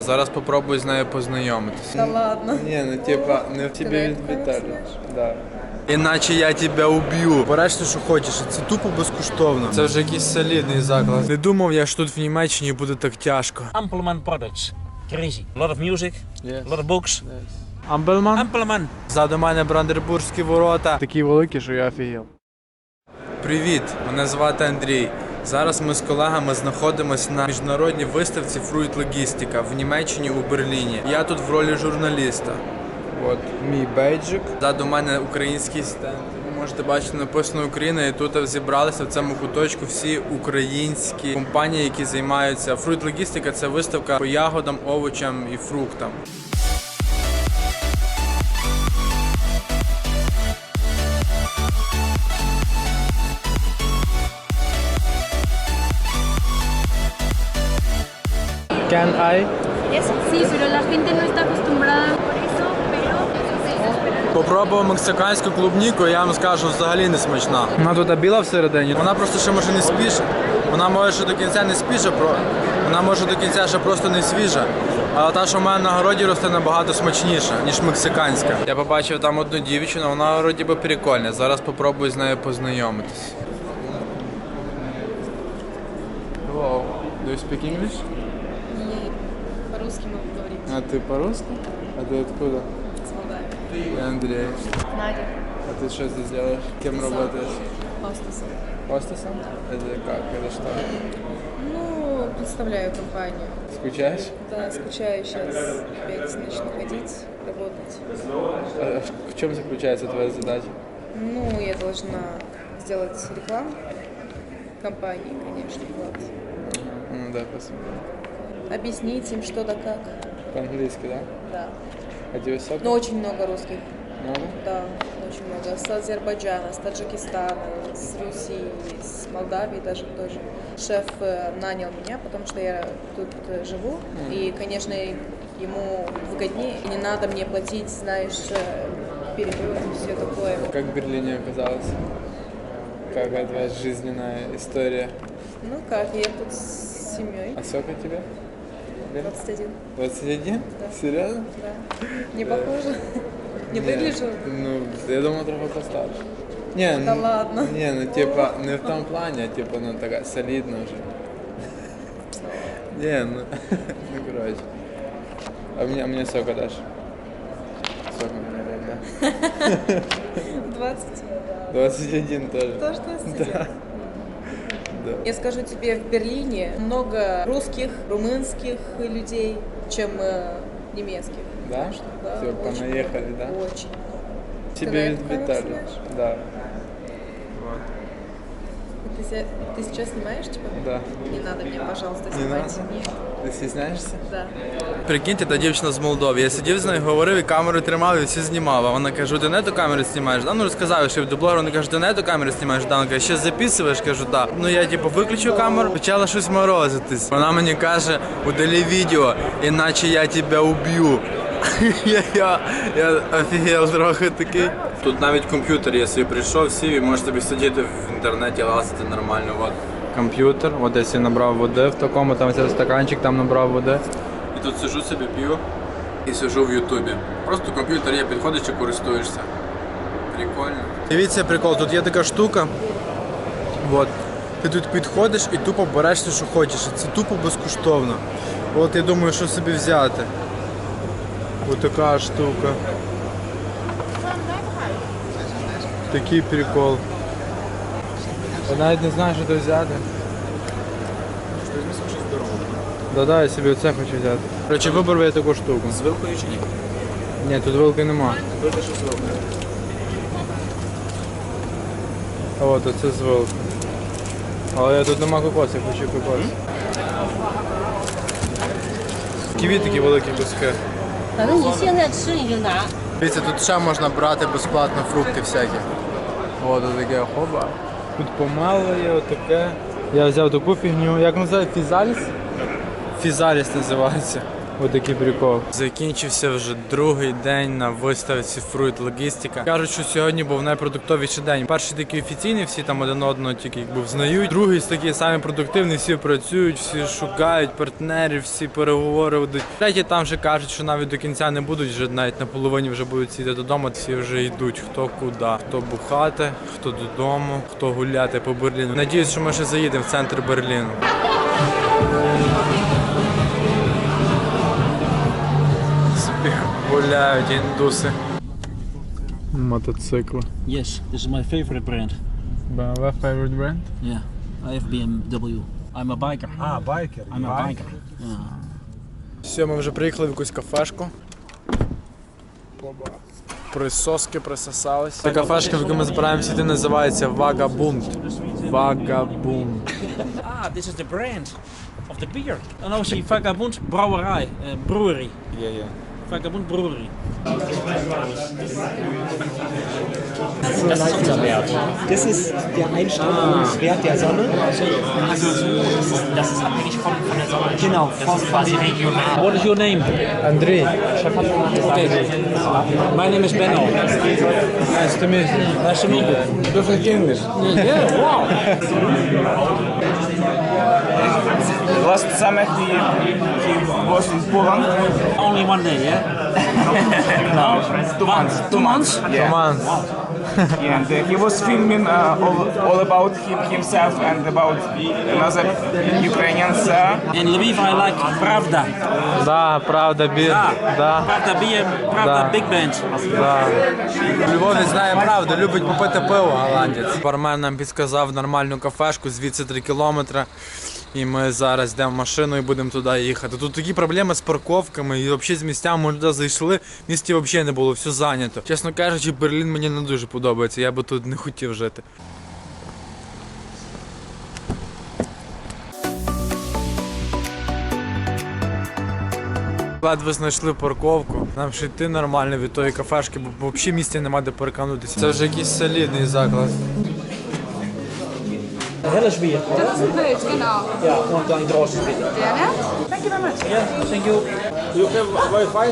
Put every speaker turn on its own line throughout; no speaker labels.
Зараз попробую з нею познайомитися.
Да ладно.
Ні, ну типа, не в тебе відвітаю.
Да.
Іначе я тебе уб'ю. Береш те, що хочеш, це тупо безкоштовно. Це вже якийсь солідний заклад. Не думав я, що тут в Німеччині буде так тяжко.
Ampelman products. Crazy. A lot of music, a lot of books.
Амбелман?
Ampelman.
Ззаду мене Брандербурзькі ворота. Такі великі, що я офігел. Привіт, мене звати Андрій. Зараз ми з колегами знаходимося на міжнародній виставці Fruit Logistica в Німеччині у Берліні. Я тут в ролі журналіста. От мій бейджик. Ззаду мене український стенд. Ви можете бачити, написано Україна, і тут зібралися в цьому куточку всі українські компанії, які займаються. Fruit Logistica – це виставка по ягодам, овочам і фруктам. Can I?
Sí, pero la gente no está acostumbrada por eso, pero
Попробував мексиканську клубніку, я вам скажу, взагалі не смачна. Вона тут біла всередині, вона просто ще може не спіша. Вона може ще до кінця не спіша, вона може до кінця ще просто не свіжа. Але та, що в мене на городі росте, набагато смачніша, ніж мексиканська. Я побачив там одну дівчину, вона вроді би прикольна. Зараз попробую з нею познайомитись. Hello. Do you speak English?
По-русски могу говорить.
А ты по-русски? А ты откуда?
С Молдавии.
Я Андрей.
Надя.
А ты что здесь делаешь? Кем работаешь?
Хостесом.
Хостесом? Это как? Это что?
Ну, представляю компанию.
Скучаешь?
Да, скучаю сейчас. Опять начну ходить, работать.
А в чем заключается твоя задача?
Ну, я должна сделать рекламу компании, конечно, вот.
Ну да, спасибо.
Объяснить им что да как.
По-английски, да?
Да.
А тебе сок?
Но очень много русских.
Много?
Да, очень много. С Азербайджана, с Таджикистана, с Руси, с Молдавии даже тоже. Шеф нанял меня, потому что я тут живу. И, конечно, ему выгоднее. И не надо мне платить, знаешь, перелет и все такое.
Как в Берлине оказалось? Какая твоя жизненная история?
Ну как, я тут с семьей.
А сколько тебе?
21.
21?
Да.
Серьезно?
Да. Не похоже? Не выгляжу?
Ну, я думал, трохи постарше. Не,
Да ладно.
Не, ну типа, не в том плане, а типа, ну такая солидная уже. Не, ну, ну короче. А мне сока дашь? Сока мне дай, да.
20.
21 тоже.
Тоже 21?
Да. Да.
Я скажу тебе, в Берлине много русских, румынских людей, чем немецких.
Да?
Что, да,
Все,
очень
понаехали,
много,
да?
Очень.
Тебе
на этом
Виталий.
снимаешь?
Да.
Ты сейчас снимаешь, типа?
Да.
Не надо мне, пожалуйста,
Не
снимать.
надо?
Нет.
Ти стісняєшся?
Да.
Прикиньте, та дівчина з Молдови. Я сидів з нею, говорив, і камеру тримав, і всі знімав. А вона каже, ти не ту камеру знімаєш? Да? Ну розказав, що я до блогера, вона каже, ти не ту камеру знімаєш? Да? Вона каже, ще записуєш? Кажу, так. Да. Ну я типу виключив камеру, почала щось морозитись. Вона мені каже, удали відео, іначе я тебе уб'ю. Я офігел трохи такий. Тут навіть комп'ютер, я собі прийшов, сів і можеш собі сидіти в інтернеті, лазити нормально. От. Комп'ютер, от десь я набрав води в такому, там цей стаканчик, там набрав води. І тут сижу собі, п'ю і сижу в Ютубі. Просто комп'ютер є, підходиш і користуєшся. Прикольно. Дивіться прикол, тут є така штука. От. Ти тут підходиш і тупо береш все, що хочеш. Це тупо безкоштовно. От я думаю, що собі взяти. Ось така штука. Такий прикол. Я навіть не знаю, що тут взяти. Да-да, я собі оце хочу взяти. Короче, вибрав я таку штуку.
З вилкою чи ні?
Ні, тут вилки нема.
Вилка, що з вилкою.
А от оце з вилки. Але тут нема кокосу, я хочу кокос. Ківі такі великі куски.
反正你现在吃你就拿。
Дивіться, тут ще можна брати безплатно фрукти всякі. О, тут таке хоба. Тут помело є, отаке. Я взяв таку фігню. Як називається? Фізаліс? Фізаліс називається. Отакий прикол. Закінчився вже другий день на виставці Fruit Logistica. Кажуть, що сьогодні був найпродуктовіший день. Перший такий офіційний, всі там один одного тільки якби взнають. Другий такий самий продуктивний, всі працюють, всі шукають партнерів, всі переговори ведуть. Третій там вже кажуть, що навіть до кінця не будуть, вже навіть на половині вже будуть сидіти додому. Всі вже йдуть, хто куди. Хто бухати, хто додому, хто гуляти по Берліну. Надіюсь, що ми ще заїдемо в центр Берліну. Гуляють індуси. Мотоцикли.
Yes, this is my favorite brand.
BMW favorite brand?
Yeah, I have BMW. I'm a biker.
Biker.
I'm a biker. Yeah.
Все, ми вже приїхали в якусь кафешку. Присоски присосались. Та кафешка, в яку ми збираємося йти, називається Vagabund. Vagabund.
Ah, this is the brand of the beer. And also Vagabund Brouwerij, brewery.
Yeah.
Vagabund Brewery. Das ist unser Wert.
Das ist der Einstrahlungswert der Sonne.
Also, das ist abhängig von der Sonne.
Genau,
Das ist quasi regional. What is your name?
Андрій.
Okay. My name is Benno.
Nice to meet you.
Nice to meet you.
Perfect English.
Yeah, wow.
Last summer he was in Poland.
Only one day, yeah?
No, 2 months.
2 months?
Yeah.
Команд.
And he was filming all about himself and about another Ukrainians.
In Lviv I like Pravda.
Да, правда, бір. Да.
Pravda beer, Pravda
Да.
big band.
Да. Львові знає правду, любить попити пиво голландець. Бармен нам підказав нормальну кафешку, звідси 3 кілометри. І ми зараз йдемо в машину і будемо туди їхати. Тут такі проблеми з парковками і взагалі з місцями ми туди зайшли, в місті взагалі не було, все зайнято. Чесно кажучи, Берлін мені не дуже подобається, я би тут не хотів жити. Ледве знайшли парковку. Нам ще йти нормально від тої кафешки, бо взагалі місця нема де переканутися. Це вже якийсь солідний заклад.
Helles bier.
Das ist ein Pilz, genau.
Ja, und ein großes bitte.
Gerne. Thank you very much.
Yeah, thank you. You have Wi-Fi?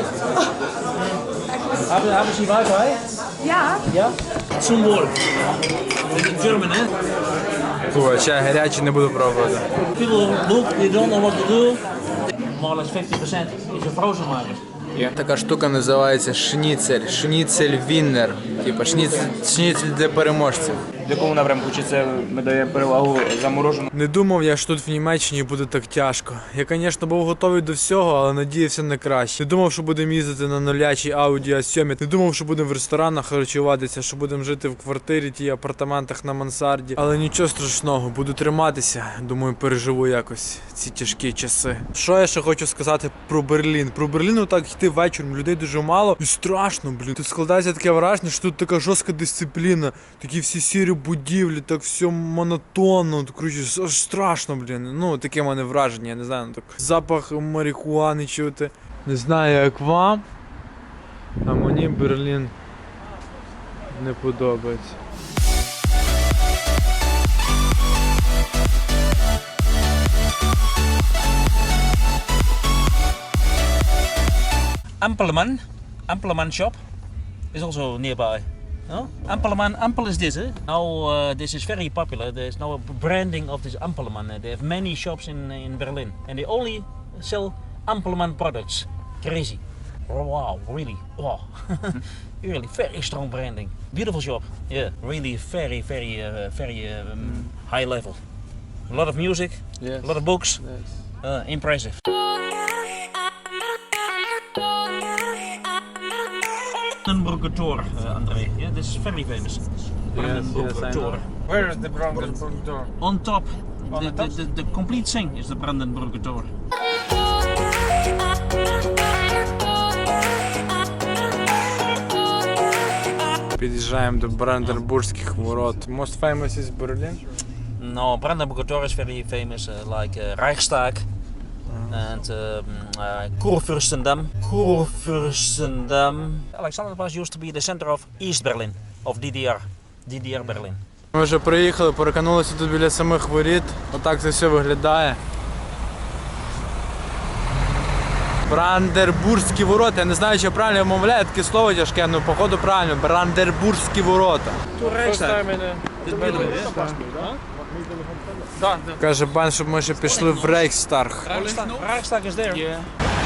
Haben Sie Wi-Fi?
Ja.
Ja. Zum Wohl. In German, eh?
Фу, чай гарячий, не буду пробувати.
People look, they don't know what to do. More or less 50% is a frozen market.
Така штука називається шніцель. Шніцель Віннер. Типа шніцель для переможців.
В якому напрямку чи це ми дає перевагу заморожену?
Не думав я, що тут в Німеччині буде так тяжко. Я, звісно, був готовий до всього, але надіявся на краще. Не думав, що будемо їздити на нулячій Audi A7. Не думав, що будемо в ресторанах харчуватися, що будемо жити в квартирі, тій апартаментах на мансарді. Але нічого страшного, буду триматися. Думаю, переживу якось ці тяжкі часи. Що я ще хочу сказати про Берлін? Про Берлін отак йти вечором, людей дуже мало. І страшно, блін. Тут складається таке враження, що тут така жорстка дисципліна. Такі всі сірі будівлі, так все монотонно. Коротше, аж страшно, блін. Ну, таке в мене враження, я не знаю, так. Запах марихуани чути. Не знаю, як вам, а мені Берлін не подобається.
Ampelman shop is also nearby. No? Ampel is this, eh? Now this is very popular. There's now a branding of this Ampelman. They have many shops in Berlin, and they only sell Ampelman products. Crazy. Oh, wow, really. Wow. Really very strong branding. Beautiful shop. Yeah, really very high level. A lot of music, a lot of books. Impressive. Brandenburger Tor, André. Yeah, this is very famous. Brandenburger Tor.
Where is the Brandenburg Tor?
On top, the complete thing is the Brandenburger Tor.
Під'їжджаємо до Бранденбурзьких ворот. Most famous is Berlin?
No, Brandenburger Tor is very famous, like Reichstag and Kurfürstendam. Alexanderplatz used to be the center of East Berlin, of DDR Berlin.
Ми вже приїхали, переканулися тут біля самих воріт. Отак це все виглядає. Брандербурзькі ворота. Я не знаю, чи я правильно вимовляю, таке слово тяжке, ну походу правильно. Брандербурзькі ворота. Каже Бен, щоб ми ще пішли в Рейхстаг.
Reichstag is there. Yeah.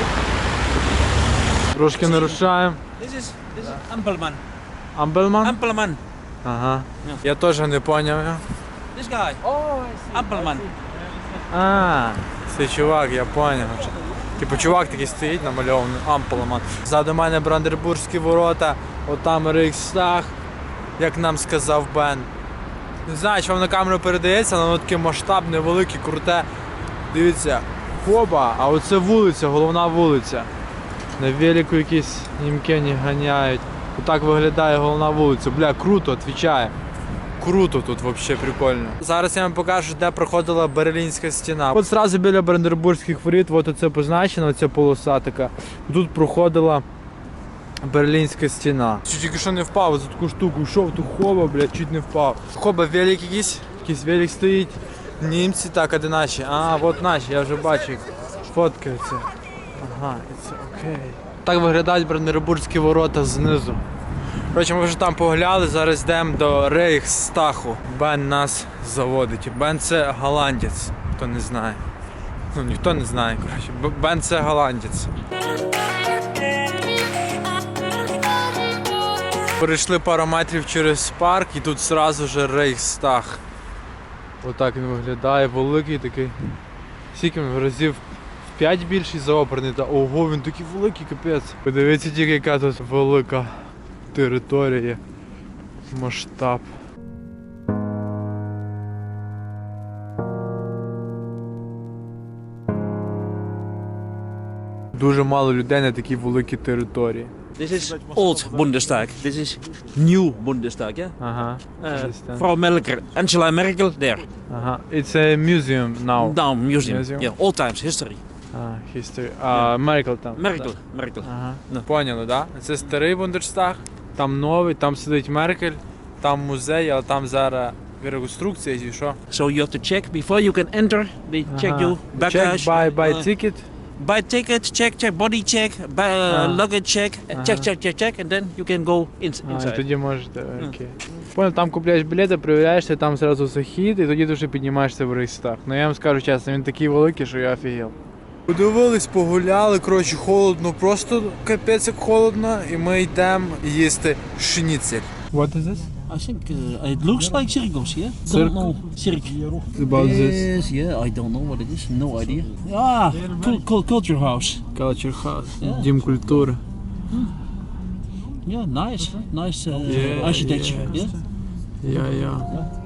Трошки не рушаємо.
This is Ampelman.
Амбельман?
Ampelman.
Ага. Я теж не поняв.
This guy. Ampelman.
А, цей чувак, я поняв. Типу чувак такий стоїть намальований, Ампелман. Ззаду мене Брандербурзькі ворота, отам Рейхстаг, як нам сказав Бен. Не знаю, чи вам на камеру передається, але воно таке масштабне, велике, круте. Дивіться, хоба, а оце вулиця, головна вулиця. На велику якісь німкені ганяють. Отак виглядає головна вулиця. Бля, круто, відповідаю. Круто тут взагалі прикольно. Зараз я вам покажу, де проходила Берлінська стіна. От зразу біля Брандербурзьких воріт, от оце позначено, оця полоса така. Тут проходила Берлінська стіна. Тільки що не впав, за таку штуку йшов, тут хоба, блядь, чуть не впав. Хоба, велик якийсь велик стоїть. Німці, так, а де наші? А, от наші, я вже бачу, як фоткаються. Ага, це окей. Так виглядають Брандербурзькі ворота знизу. Коротше, ми вже там погуляли, зараз йдемо до Рейхстагу. Бен нас заводить. Бен це голландець, хто не знає. Ну, ніхто не знає, коротше. Бен це голландець. Перейшли пару метрів через парк і тут одразу ж Рейхстаг. Отак він виглядає, великий такий. Скільки він разів в 5 більший за оперний. Та ого, він такий великий, капець. Подивіться тільки, яка тут велика територія, масштаб. Дуже мало людей на такій великій території.
This is old Bundestag. This is new Bundestag, yeah?
Ага.
Frau Merkel, Angela Merkel, there.
Ага. It's a museum now.
Now, museum.
Museum.
Yeah, old times, history.
History. Меркел там.
Merkel.
Ага.
Ну.
Поняли, так? Да? Це старий Бундестаг, там новий, там сидить Меркель, там музей, але там зараз реконструкція і що.
So you have to check before you can enter. They check you baggage.
Check, buy ticket.
Buy ticket, check, body check, buy, luggage check, check, and then you can go
І
inside.
тоді можете, окей. Понял, там купляєш білети, перевіряєшся, там зразу захід, і тоді дуже піднімаєшся в Рейхстаг. Ну я вам скажу чесно, він такий великий, що я офігел. Подивились, погуляли, коротше, холодно, просто капець як холодно, і ми йдемо їсти шніцель. What is this?
I think it looks like circles, yeah?
Cirque?
Don't know. Cirque.
About
Yes, yeah, I don't know what it is. No idea. Ah, culture house.
Culture House,
Yeah.
Дім культури.
Yeah, nice architecture. Yeah.
Yeah.